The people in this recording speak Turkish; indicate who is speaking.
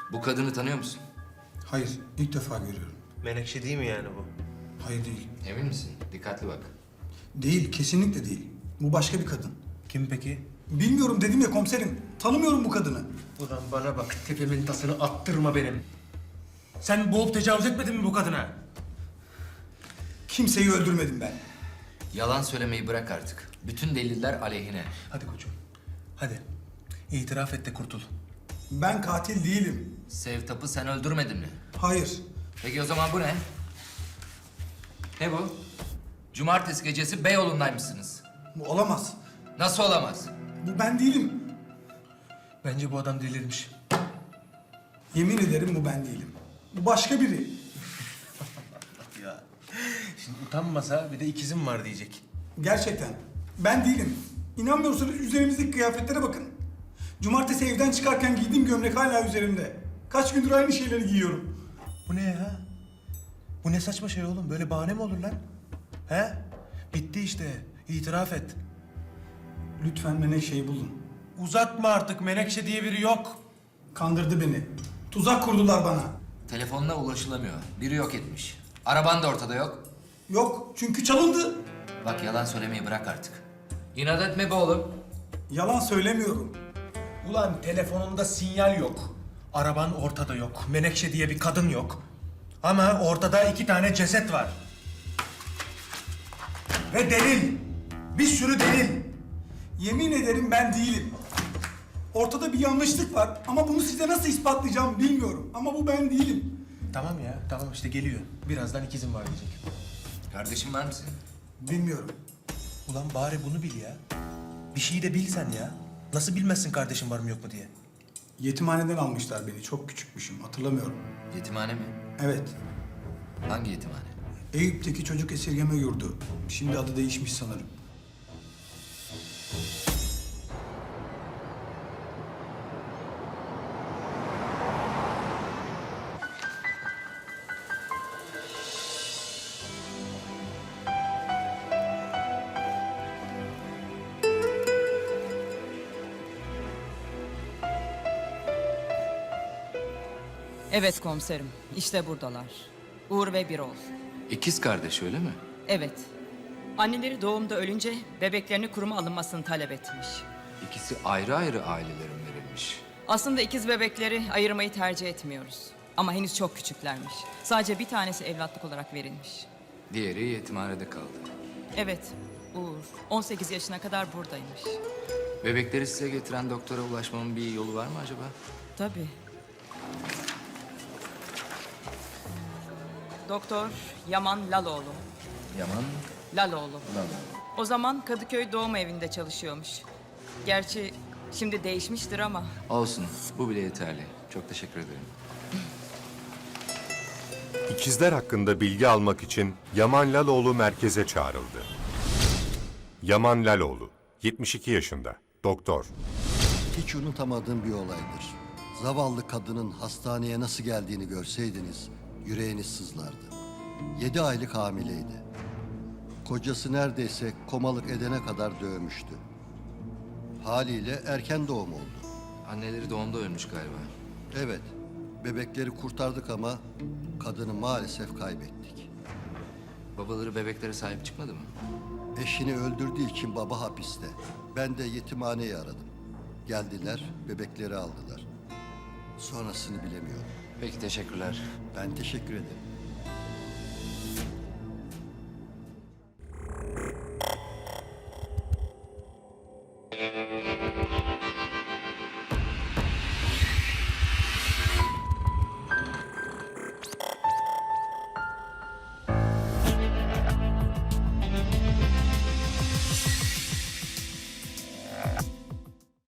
Speaker 1: Bu kadını tanıyor musun?
Speaker 2: Hayır, ilk defa görüyorum.
Speaker 3: Menekşe değil mi yani bu?
Speaker 2: Hayır değil.
Speaker 1: Emin misin? Dikkatli bak.
Speaker 2: Değil, kesinlikle değil. Bu başka bir kadın.
Speaker 3: Kim peki?
Speaker 2: Bilmiyorum dedim ya komiserim. Tanımıyorum bu kadını.
Speaker 3: Ulan bana bak, tepemin tasını attırma benim. Sen boğup tecavüz etmedin mi bu kadına?
Speaker 2: Kimseyi öldürmedim ben.
Speaker 1: Yalan söylemeyi bırak artık. Bütün deliller aleyhine.
Speaker 3: Hadi koçum, hadi. İtiraf et de kurtul.
Speaker 2: Ben katil değilim.
Speaker 1: Sevtap'ı sen öldürmedin mi?
Speaker 2: Hayır.
Speaker 1: Peki o zaman bu ne? Ne bu? Cumartesi gecesi Beyoğlu'ndaymışsınız.
Speaker 2: Bu olamaz.
Speaker 1: Nasıl olamaz?
Speaker 2: Bu ben değilim.
Speaker 3: Bence bu adam delirmiş.
Speaker 2: Yemin ederim bu ben değilim. Bu başka biri.
Speaker 3: Ya. Şimdi utanmasa bir de ikizim var diyecek.
Speaker 2: Gerçekten. Ben değilim. İnanmıyorsanız üzerimizdeki kıyafetlere bakın. Cumartesi evden çıkarken giydiğim gömlek hala üzerimde. Kaç gündür aynı şeyleri giyiyorum.
Speaker 3: Bu ne ya? Bu ne saçma şey oğlum? Böyle bahane mi olur lan? He? Bitti işte. İtiraf et.
Speaker 2: Lütfen bana şey bulun.
Speaker 3: Uzatma artık. Menekşe diye biri yok.
Speaker 2: Kandırdı beni. Tuzak kurdular bana.
Speaker 1: Telefonuna ulaşılamıyor. Biri yok etmiş. Araban da ortada yok.
Speaker 2: Yok çünkü çalındı.
Speaker 1: Bak yalan söylemeyi bırak artık. İnat etme be oğlum.
Speaker 2: Yalan söylemiyorum.
Speaker 3: Ulan telefonunda sinyal yok. Araban ortada yok. Menekşe diye bir kadın yok. Ama ortada 2 tane ceset var. Ve delil. Bir sürü delil.
Speaker 2: Yemin ederim ben değilim. Ortada bir yanlışlık var ama bunu size nasıl ispatlayacağım bilmiyorum. Ama bu ben değilim.
Speaker 3: Tamam ya, tamam işte geliyor. Birazdan ikizim var diyecek.
Speaker 1: Kardeşin var mısın?
Speaker 2: Bilmiyorum.
Speaker 3: Ulan bari bunu bil ya. Bir şeyi de bil sen ya. Nasıl bilmezsin kardeşim var mı yok mu diye.
Speaker 2: Yetimhaneden almışlar beni. Çok küçükmüşüm. Hatırlamıyorum.
Speaker 1: Yetimhane mi?
Speaker 2: Evet.
Speaker 1: Hangi yetimhane?
Speaker 2: Eyüp'teki çocuk esirgeme yurdu. Şimdi adı değişmiş sanırım.
Speaker 4: Evet komiserim, işte buradalar. Uğur ve Birol.
Speaker 1: İkiz kardeş öyle mi?
Speaker 4: Evet. Anneleri doğumda ölünce bebeklerini kuruma alınmasını talep etmiş.
Speaker 1: İkisi ayrı ayrı ailelerin verilmiş.
Speaker 4: Aslında ikiz bebekleri ayırmayı tercih etmiyoruz. Ama henüz çok küçüklermiş. Sadece bir tanesi evlatlık olarak verilmiş.
Speaker 1: Diğeri yetimhanede kaldı.
Speaker 4: Evet, Uğur 18 yaşına kadar buradaymış.
Speaker 1: Bebekleri size getiren doktora ulaşmamın bir yolu var mı acaba?
Speaker 4: Tabii. Doktor Yaman Laloğlu.
Speaker 1: Yaman
Speaker 4: Laloğlu.
Speaker 1: Lalo.
Speaker 4: O zaman Kadıköy doğum evinde çalışıyormuş. Gerçi şimdi değişmiştir ama.
Speaker 1: Olsun, bu bile yeterli. Çok teşekkür ederim.
Speaker 5: İkizler hakkında bilgi almak için Yaman Laloğlu merkeze çağrıldı. Yaman Laloğlu, 72 yaşında, doktor.
Speaker 6: Hiç unutamadığım bir olaydır. Zavallı kadının hastaneye nasıl geldiğini görseydiniz yüreğiniz sızlardı. 7 aylık hamileydi. Kocası neredeyse komalık edene kadar dövmüştü. Haliyle erken doğum oldu.
Speaker 1: Anneleri doğumda ölmüş galiba.
Speaker 6: Evet, bebekleri kurtardık ama kadını maalesef kaybettik.
Speaker 1: Babaları bebeklere sahip çıkmadı mı?
Speaker 6: Eşini öldürdüğü için baba hapiste. Ben de yetimhaneyi aradım. Geldiler, bebekleri aldılar. Sonrasını bilemiyorum.
Speaker 1: Peki teşekkürler.
Speaker 6: Ben teşekkür ederim.